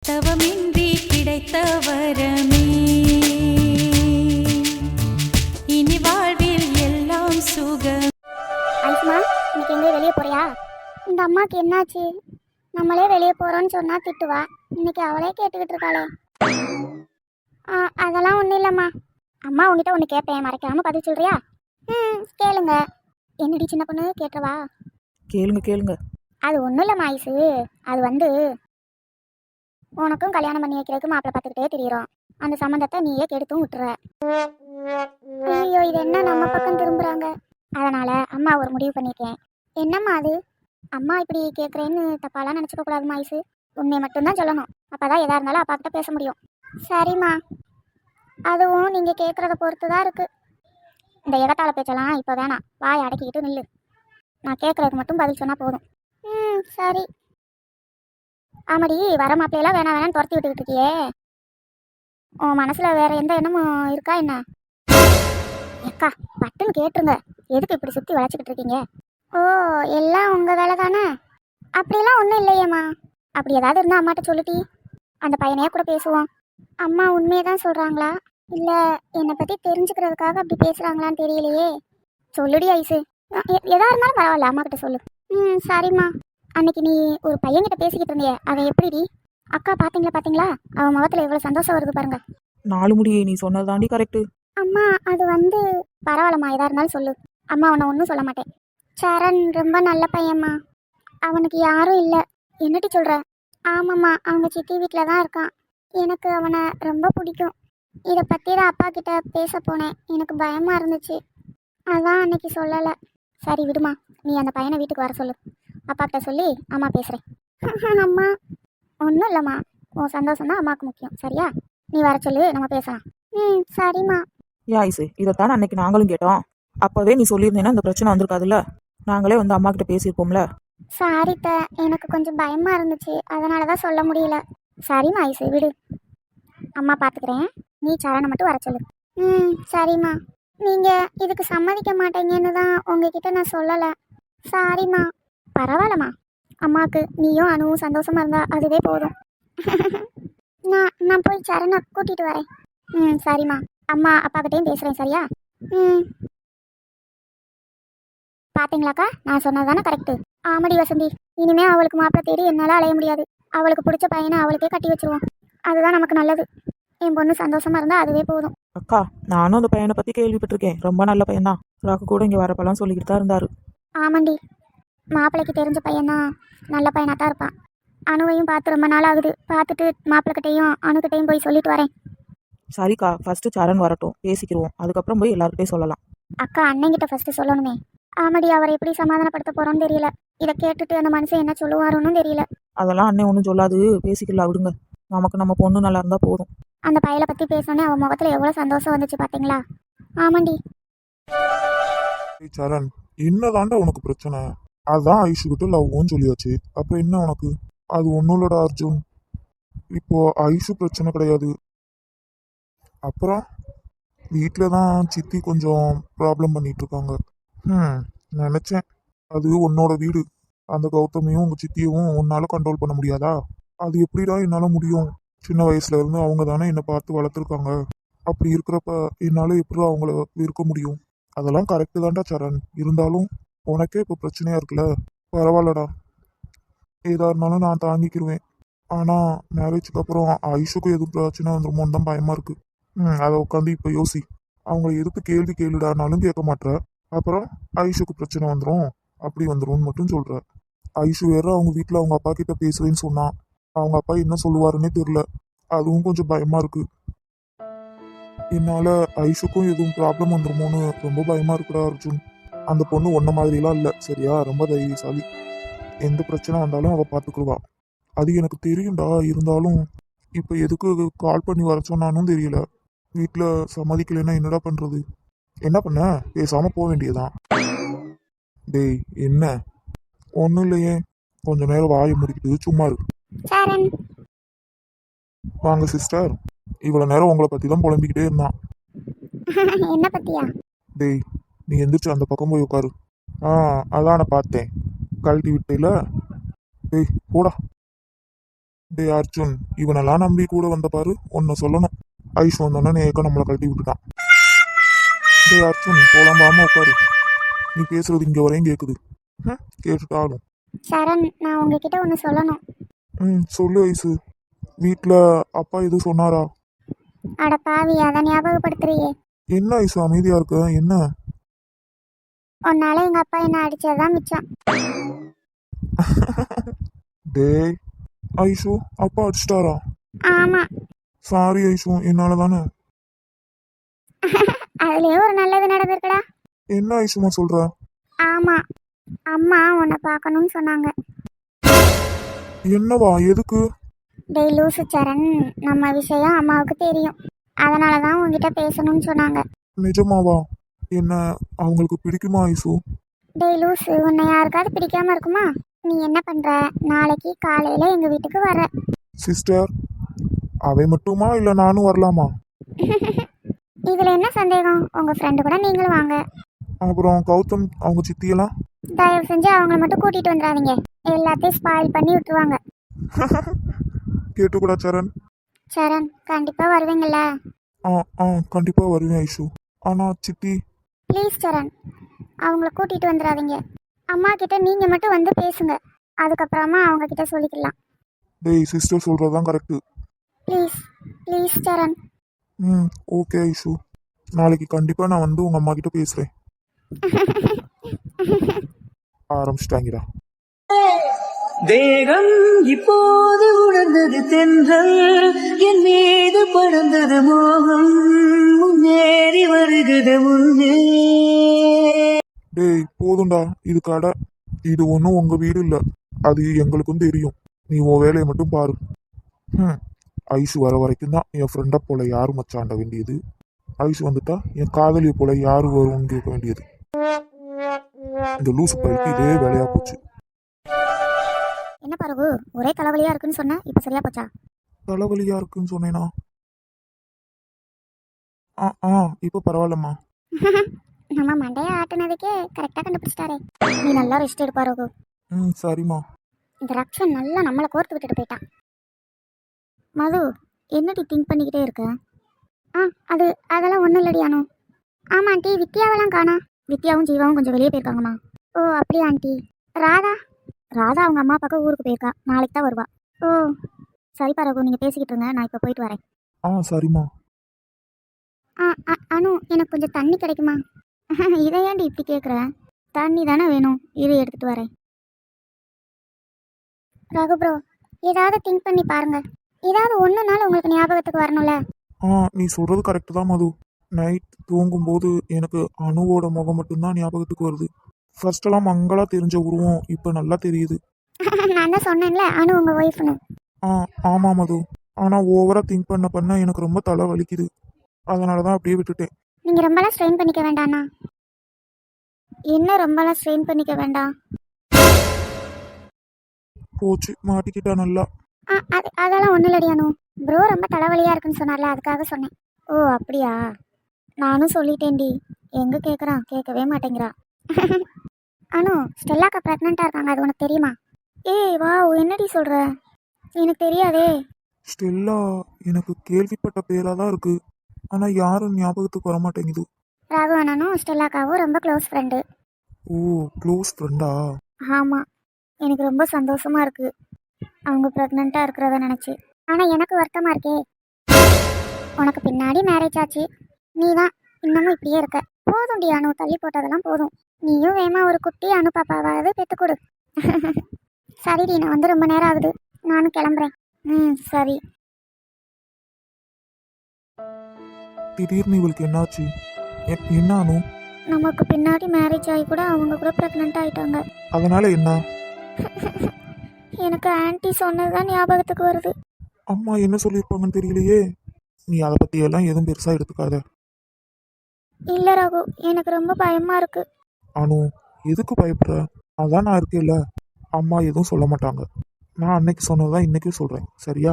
தவமின்றி கிடைத்த வரமே இனி வாழ்வில் எல்லாம் சுகம். ஐஸ்மா, இன்னைக்கு எங்கேயும் வெளியே போறியா? இந்த அம்மாக்கு என்னாச்சு? நம்மளே வெளியே போறோம்னு சொன்னா திட்டுவா. இன்னைக்கு அவளே கேட்டுக்கிட்டு இருக்காளே. அதெல்லாம் ஒன்றும் இல்லைம்மா. அம்மா உங்ககிட்ட ஒன்று கேட்பேன், மறைக்காம பதில் சொல்றியா? கேளுங்க. என்னடி சின்ன பொண்ணு, கேட்டுருவா? கேளுங்க கேளுங்க. அது ஒன்றும் இல்லைம்மா ஐசு. அது உனக்கும் கல்யாணம் பண்ணி வைக்கிறதுக்கு மாப்பிள்ளை பார்த்துக்கிட்டே தெரியுறோம். அந்த சம்மந்தத்தை நீயே கெடுத்தும் விட்டுற. ஐயோ, இது என்ன நம்ம பக்கம் திரும்புறாங்க? அதனால அம்மா ஒரு முடிவு பண்ணியிருக்கேன். என்னம்மா அது? அம்மா இப்படி கேட்குறேன்னு தப்பாலாம் நினச்சிக்க கூடாதுமா ஐசு. உண்மையை மட்டும்தான் சொல்லணும். அப்போதான் எதாக இருந்தாலும் அப்பா கிட்ட பேச முடியும். சரிம்மா. அதுவும் நீங்கள் கேட்குறத பொறுத்து தான் இருக்குது. இந்த இடத்தால பேச்செல்லாம் இப்போ வேணாம். வாய் அடக்கிக்கிட்டு நில்லு. நான் கேட்குறதுக்கு மட்டும் பதில் சொன்னால் போதும். சரி. ஆமாடி, வர மாப்பிள்ளையெல்லாம் வேணாம் வேணான்னு துரத்தி விட்டுக்கிட்டு இருக்கியே. உன் மனசில் வேற எந்த எண்ணமும் இருக்கா என்ன? ஏக்கா, பட்டுன்னு கேட்டுருங்க. எதுக்கு இப்படி சுற்றி வளைச்சிக்கிட்டு இருக்கீங்க? ஓ, எல்லாம் உங்கள் வேலை தானே? அப்படிலாம் ஒன்றும் இல்லையேம்மா. அப்படி ஏதாவது இருந்தால் அம்மாட்ட சொல்லிட்டி. அந்த பையனையே கூட பேசுவோம். அம்மா உண்மையை தான் சொல்கிறாங்களா, இல்லை என்னை பற்றி தெரிஞ்சுக்கிறதுக்காக அப்படி பேசுகிறாங்களான்னு தெரியலையே. சொல்லுடி ஐசு. எதா இருந்தாலும் பரவாயில்ல, அம்மா கிட்ட சொல்லு. சரிம்மா. அன்னைக்கு நீ ஒரு பையன்கிட்ட பேசிக்கிட்டு இருந்தியே, அவன் எப்படிடி? அக்கா பார்த்தீங்களா? அவன் முகத்தில் எவ்வளோ சந்தோஷம் வருது பாருங்க. 4 முடியே நீ சொன்னது தாண்டி கரெக்டு. அம்மா, அது பரவாயில்லம்மா, எதா இருந்தாலும் சொல்லு. அம்மா உன்னை ஒன்றும் சொல்ல மாட்டேன். சரண் ரொம்ப நல்ல பையன்மா. அவனுக்கு யாரும் இல்லை. என்னடி சொல்கிற? ஆமாம்மா, அவங்க சித்தி வீட்டில் தான் இருக்கான். எனக்கு அவனை ரொம்ப பிடிக்கும். இதை பற்றி தான் அப்பா கிட்ட பேச போனேன். எனக்கு பயமாக இருந்துச்சு, அதான் அன்னைக்கு சொல்லலை. சரி விடுமா, நீ அந்த பையனை வீட்டுக்கு வர சொல்லு. அப்பா கிட்ட சொல்லி அம்மா பேசுகிறேன். அம்மா ஒன்றும் இல்லைம்மா, உன் சந்தோஷம் தான் அம்மாவுக்கு முக்கியம். சரியா? நீ வர சொல்லு, நம்ம பேசலாம். சரிம்மா. ஐசு, இதைத்தான் அன்னைக்கு நாங்களும் கேட்டோம். அப்போவே நீ சொல்லியிருந்தேன்னா இந்த பிரச்சனை வந்திருக்காதுல்ல. நாங்களே வந்து அம்மா கிட்ட பேசியிருப்போம்ல. சாரித்த, எனக்கு கொஞ்சம் பயமாக இருந்துச்சு, அதனால தான் சொல்ல முடியல. சரிம்மா ஐசு, விடு. அம்மா பார்த்துக்கிறேன். நீ சரணை மட்டும் வர சொல்லு. சரிம்மா. நீங்கள் இதுக்கு சம்மதிக்க மாட்டேங்கன்னு தான் உங்ககிட்ட நான் சொல்லலை. சாரிம்மா. பரவாயில்லம்மா. அம்மாவுக்கு நீயும் அணுவும் சந்தோஷமாக இருந்தா அதுவே போதும். நான் போய் சரணை கூட்டிகிட்டு வரேன். சரிம்மா. அம்மா அப்பாக்கிட்டையும் பேசுகிறேன். சரியா? பார்த்தீங்களாக்கா, நான் சொன்னது தானே கரெக்டு. ஆமாடி வசந்தி, இனிமே அவளுக்கு மாப்பிள்ளை தேடி என்னால் அலைய முடியாது. அவளுக்கு பிடிச்ச பையனை அவளுக்கே கட்டி வச்சிருவோம். அதுதான் நமக்கு நல்லது. என் பொண்ணு சந்தோஷமா இருந்தால் அதுவே போதும். அக்கா, நானும் அந்த பையனை பற்றி கேள்விப்பட்டிருக்கேன். ரொம்ப நல்ல பையன்தான். ராக்கு கூட இங்கே வரப்பெல்லாம் சொல்லிக்கிட்டு தான் இருந்தாரு. ஆமாண்டி, மாப்பிள்ளைக்கு தெரிஞ்ச பையன்தான். நல்ல பையனாக தான் இருப்பான். அணுவையும் பார்த்து ரொம்ப நாள் ஆகுது. பார்த்துட்டு மாப்பிள்ளைக்கிட்டையும் அணுக்கிட்டையும் போய் சொல்லிட்டு வரேன். சரிக்கா, ஃபர்ஸ்ட் சரண் வரட்டும், பேசிக்கிடுவோம். அதுக்கப்புறம் போய் எல்லாருக்கிட்டையும் சொல்லலாம். அக்கா, அண்ணங்கிட்ட ஃபர்ஸ்ட் சொல்லணுமே. ஆமாடி, அவரை எப்படி சமாதானப்படுத்த போறோன்னு தெரியல. இதை கேட்டுட்டு அந்த மனுஷன் என்ன சொல்லுவாருன்னு தெரியல. அதெல்லாம் அண்ணன் ஒன்றும் சொல்லாது, பேசிக்கலாம் விடுங்க. நமக்கு நம்ம பொண்ணு நல்லா இருந்தால் போதும். அந்த பையலை பற்றி பேசணுன்னே அவன் முகத்தில் எவ்வளோ சந்தோஷம் வந்துச்சு பார்த்தீங்களா? ஆமாண்டி. சரண், என்னதாண்டா உனக்கு பிரச்சனை? அதான் ஐஷுக்கிட்ட லவ்வும் சொல்லியாச்சு. அப்புறம் என்ன உனக்கு? அது ஒன்றும் இல்லடா அர்ஜுன். இப்போ ஐஷு பிரச்சனை கிடையாது. அப்புறம் வீட்டில் தான் சித்தி கொஞ்சம் ப்ராப்ளம் பண்ணிட்டு இருக்காங்க. நினச்சேன், அது உன்னோட வீடு. அந்த கௌதமையும் உங்கள் சித்தியவும் உன்னால் கண்ட்ரோல் பண்ண முடியாதா? அது எப்படிடா என்னால் முடியும்? சின்ன வயசுல இருந்து அவங்க தானே என்னை பார்த்து வளர்த்துருக்காங்க. அப்படி இருக்கிறப்ப என்னால் எப்படி அவங்கள இருக்க முடியும்? அதெல்லாம் கரெக்டு தான்டா சரண். இருந்தாலும் உனக்கே இப்போ பிரச்சனையா இருக்குல்ல. பரவாயில்லடா, ஏதா இருந்தாலும் நான் தாங்கிக்கிருவேன். ஆனால் மேரேஜுக்கு அப்புறம் ஐஷுக்கும் எதுவும் பிரச்சனை வந்துருமோன்னு தான் பயமாக இருக்கு. அதை உட்காந்து இப்போ யோசி. அவங்கள எதுக்கு கேள்வி கேளுடானாலும் கேட்க மாட்ற. அப்புறம் ஐஷுக்கு பிரச்சனை வந்துடும், அப்படி வந்துடும் மட்டும் சொல்ற. ஐஷு வேற அவங்க வீட்டில் அவங்க அப்பா கிட்ட பேசுவேன்னு சொன்னான். அவங்க அப்பா என்ன சொல்லுவாருன்னே தெரியல. அதுவும் கொஞ்சம் பயமா இருக்கு. என்னால ஐஷுக்கும் எதுவும் ப்ராப்ளம் வந்துருமோன்னு ரொம்ப பயமா இருக்குடா அர்ஜுன். அந்த பொண்ணு ஒன்ன மாதிரிலாம் இல்லை, சரியா? ரொம்ப தைரியசாலி. எந்த பிரச்சனை வந்தாலும் அவள் பார்த்துக்குருவா. அது எனக்கு தெரியும்டா. இருந்தாலும் இப்போ எதுக்கு கால் பண்ணி வர சொன்னானும் தெரியல. வீட்டில் சம்மதிக்கலைன்னா என்னடா பண்ணுறது? என்ன பண்ண? பேசாமல் போக வேண்டியதான். டேய், என்ன? ஒன்றும் இல்லையே. கொஞ்ச நேரம் வாயை முடிக்கிட்டு சும்மா இருக்கு. வாங்க சிஸ்டர். இவ்வளோ நேரம் உங்களை பற்றி தான் புலம்பிக்கிட்டே இருந்தான். என்ன பத்தியா? டேய், நீ எந்திரிச்சு அந்த பக்கம் போய் உட்காரு. அதான் நான் பார்த்தேன். கழட்டி விட்டேல. டேய் போடா. டேய் அர்ஜுன், இவனெல்லாம் நம்பி கூட வந்த பாரு, ஒன்னு சொல்லணும். ஐஸ் வந்தோன்னே ஏக்கம் நம்மளை கழட்டி விட்டுட்டான். டேய் அர்ஜுன், போலாம்பாம உட்காரு. நீ பேசுறது இங்க வரையும் கேக்குது. கேட்டுட்டாலும். சரண், நான் உங்ககிட்ட ஒன்று சொல்லணும். சொல்லு ஐசு. வீட்ல அப்பா எதுவும் சொன்னாரா? அட பாவி, அதை ஞாபகப்படுத்துறியே. என்ன ஐசு அமைதியா இருக்க? என்ன? உன்னால எங்க அப்பா என்ன அடிச்சதுதான் மிச்சம். டேய் ஐசு, அப்பா அடிச்சிட்டாரா? ஆமா, சாரி ஐசு, என்னால தானே. அதுலயே ஒரு நல்லது நடந்திருக்குடா. என்ன ஐசுமா சொல்ற? ஆமா, அம்மா உன்னை பார்க்கணும்னு சொன்னாங்க. என்னவா? எதுக்கு? டேய் லூசு சரண், நம்ம விஷயம் அம்மாவுக்கு தெரியும். அதனால தான் உங்ககிட்ட பேசணும்னு சொன்னாங்க. நிஜமாவா? என்ன அவங்களுக்கு பிடிக்குமா ஐசு? டேய் லூசு, உன்னை யாருக்காவது பிடிக்காம இருக்குமா? நீ என்ன பண்ற? நாளைக்கு காலையில எங்க வீட்டுக்கு வர. சிஸ்டர், அவை மட்டுமா இல்ல நானும் வரலாமா? இதுல என்ன சந்தேகம்? உங்க ஃப்ரெண்டு கூட நீங்களும் வாங்க. அப்புறம் கௌதம் அவங்க சித்தியெல்லாம்? தயவு செஞ்சு அவங்கள மட்டும் கூட்டிட்டு வந்துடாதீங்க, எல்லாத்தையும் ஸ்பாயில் பண்ணி விட்டுருவாங்க. கேட்டுக்கூடா சரண்? சரண், கண்டிப்பா வருவீங்கல்ல? ஆ ஆ கண்டிப்பா வருவேன் ஐசு. ஆனா சித்தி? ப்ளீஸ் சரண், அவங்கள கூட்டிட்டு வந்துடாதீங்க. அம்மா கிட்ட நீங்க மட்டும் வந்து பேசுங்க, அதுக்கப்புறமா அவங்க கிட்ட சொல்லிக்கலாம். டேய் சிஸ்டர் சொல்றதுதான் correct. Please please Charan. Okay Aishu, நாளைக்கு கண்டிப்பா நான் வந்து உங்க அம்மா கிட்ட பேசுறேன். ஆரம்பிச்சிட்டாங்கடா. தேகம் இப்போது உணர்ந்தது தென்றல், என் மீது படர்ந்தது மோகம், முன்னேறி வருகிறது முன்னே. டேய் போதும்டா, இது கடை. இது ஒன்றும் உங்க வீடு இல்லை, அது எங்களுக்கும் தெரியும். நீ உன் வேலையை மட்டும் பாரு. ஐசு வர வரைக்கும் தான் என் ஃப்ரெண்டை போல யாரு மச்சாண்ட வேண்டியது. ஐசு வந்துட்டா என் காதலியை போல யாரு வரும்னு கேட்க வேண்டியது. இந்த லூசு பைக்கு இதே வேலையா போச்சு. என்ன பரவு, ஒரே தலைவலியா இருக்குன்னு சொன்ன, இப்ப சரியா போச்சா? தலைவலியா இருக்குன்னு சொன்னேனா? இப்போ பரவாயில்லம்மா. நம்ம மண்டையை ஆட்டுனதுக்கே கரெக்டா கண்டுபிடிச்சிட்டாரே. நீ நல்லா ரெஸ்ட் எடுப்பா ரகு. சரிம்மா. இந்த ரக்ஷன் நல்லா நம்மளை கோர்த்து விட்டுட்டு போயிட்டான். மது, என்னடி திங்க் பண்ணிக்கிட்டே இருக்க? அதெல்லாம் ஒன்றும் இல்லடி அனு. ஆமா ஆண்டி, வித்யாவெல்லாம் காணா. வித்யாவும் ஜீவாவும் கொஞ்சம் வெளியே போயிருக்காங்கம்மா. ஓ அப்படியா ஆண்டி? ராதா? ராதா அவங்க அம்மா அப்பாவுக்கு ஊருக்கு போயிருக்கா, நாளைக்கு தான் வருவா. ஓ சரிப்பா ரகு, நீங்கள் பேசிக்கிட்டு இருங்க, நான் இப்போ போயிட்டு வரேன். சரிம்மா. அனு, எனக்கு கொஞ்சம் தண்ணி கிடைக்குமா? இதை ஏன்டி இப்படி கேட்குற? தண்ணி தானே வேணும், இரு எடுத்துகிட்டு வரேன். ரகு ப்ரோ, ஏதாவது திங்க் பண்ணி பாருங்க, ஏதாவது ஒன்றுனாலும் உங்களுக்கு ஞாபகத்துக்கு வரணும்ல. நீ சொல்றது கரெக்டு தான் மது. நைட் தூங்கும்போது எனக்கு அணுவோட முகம் மட்டும்தான் ஞாபகத்துக்கு வருது. ஃபர்ஸ்டெல்லாம் மங்களா தெரிஞ்ச உருவம் இப்போ நல்லா தெரியுது. நான் தான் சொன்னேன்ல, அனு உங்க ஒய்ஃப்னு. ஆமா மது. ஆனால் ஓவரா திங்க் பண்ண எனக்கு ரொம்ப தலை வலிக்குது. அதனால தான் அப்படியே விட்டுட்டேன். நீங்கள் ரொம்பலாம் ஸ்ட்ரெயின் பண்ணிக்க வேண்டாண்ணா. என்ன ரொம்பலாம் ஸ்ட்ரெயின் பண்ணிக்க வேண்டாம்? போச்சு, மாட்டிக்கிட்டா நல்லா. அதெல்லாம் ஒன்றும் இல்லடி அனு. ப்ரோ ரொம்ப தலைவலியாக இருக்குன்னு சொன்னார்ல, அதுக்காக சொன்னேன். ஓ அப்படியா? நானும் சொல்லிட்டேன்டி, எங்கே கேட்குறான், கேட்கவே மாட்டேங்கிறா. அனு, ஸ்டெல்லாக்கா ப்ரெக்னெண்ட்டாக இருக்காங்க, அது உனக்கு தெரியுமா? ஏய் வா, என்னடி சொல்கிற? எனக்கு தெரியாதே. ஸ்டெல்லா எனக்கு கேள்விப்பட்ட பேராக தான் இருக்கு, ஆனால் யாரும் ஞாபகத்துக்கு வர மாட்டேங்குது. ராகு அண்ணனும் ஸ்டெல்லாக்காவும் ரொம்ப க்ளோஸ் ஃப்ரெண்டு. ஓ க்ளோஸ் ஃப்ரெண்டா? ஆமாம், எனக்கு ரொம்ப சந்தோஷமாக இருக்குது அவங்க ப்ரெக்னெண்ட்டாக இருக்கிறத நினச்சி. ஆனால் எனக்கு வருத்தமாக இருக்கே, உனக்கு பின்னாடி மேரேஜ் ஆச்சு, நீ தான் இன்னமும் இப்படியே இருக்க. போதும் டி அனு, தள்ளி போட்டதெல்லாம் போதும். நீயும் வேமா ஒரு குட்டி அனு பாப்பாவாவது பெற்றுக்கொடு. சரிடி, நான் வந்து ரொம்ப நேரம் ஆகுது, நானும் கிளம்புறேன். சரி. திடீர்னு இவளுக்கு என்னாச்சு? என்ன அனு? நமக்கு பின்னாடி மேரேஜ் ஆகி கூட அவங்க கூட ப்ரெக்னெண்ட் ஆகிட்டாங்க. அதனால என்ன? எனக்கு ஆன்ட்டி சொன்னது தான் ஞாபகத்துக்கு வருது. அம்மா என்ன சொல்லியிருப்பாங்கன்னு தெரியலையே. நீ அதை பற்றியெல்லாம் எதுவும் பெருசாக எடுத்துக்காத. இல்லை ராகு, எனக்கு ரொம்ப பயமாக இருக்கு. அனு, எதுக்கு பயப்படுற? அதான் நான் இருக்கேல்ல, அம்மா எதுவும் சொல்ல மாட்டாங்க. நான் அன்னைக்கு சொன்னதான் இன்னைக்கும் சொல்கிறேன், சரியா?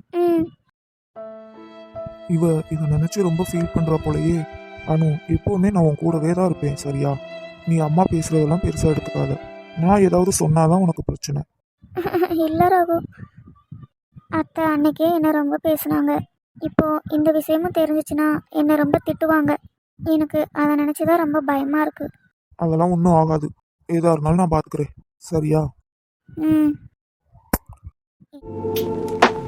இதை நினச்சி ரொம்ப ஃபீல் பண்ணுற போலயே. அனு, எப்போவுமே நான் உன் கூடவே தான் இருப்பேன், சரியா? நீ அம்மா பேசுகிறதெல்லாம் பெருசாக எடுத்துக்காத. நான் ஏதாவது சொன்னாதான் உனக்கு பிரச்சனை. இல்லை ராகு, அத்தை அன்னைக்கே என்னை ரொம்ப பேசுனாங்க. இப்போ இந்த விஷயமும் தெரிஞ்சிச்சுன்னா என்னை ரொம்ப திட்டுவாங்க. எனக்கு அதை நினச்சிதான் ரொம்ப பயமாக இருக்கு. அதெல்லாம் ஒன்றும் ஆகாது. ஏதா இருந்தாலும் நான் பார்த்துக்கிறேன். சரியா? ம்